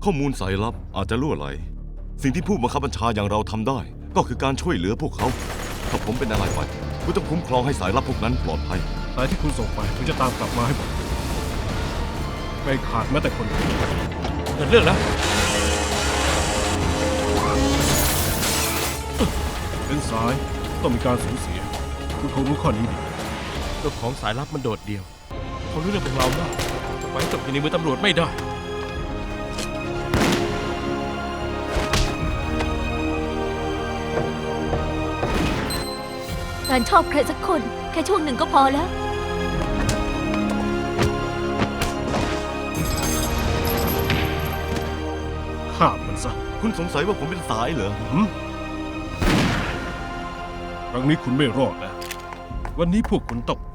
ข้อมูลสายลับอาจจะล่วไหลสิ่งที่ผู้บังคับบัญชาอย่างเราทำได้ก็คือการช่วยเหลือพวกเขาถ้าผมเป็นอะไรไปคุณต้องคุ้มครองให้สายลับพวกนั้นปลอดภัยสายที่คุณส่งไปผมจะตามกลับมาให้หมดไม่ขาดแม้แต่คนเดียวเกิดเรื่องแล้วเป็นสายต้องมีการสูญเสียคุณคงรู้ข้อนี้ดีเจ้าของสายลับมันโดดเดี่ยวเขารู้เรื่องของเราได้จะไปตกอยู่ในมือตำรวจไม่ได้การชอบใครสักคนแค่ช่วงหนึ่งก็พอแล้วฆ่ามันซะคุณสงสัยว่าผมเป็นสายเหรอครั้งนี้คุณไม่รอดแล้ววันนี้พวกคุณต้อง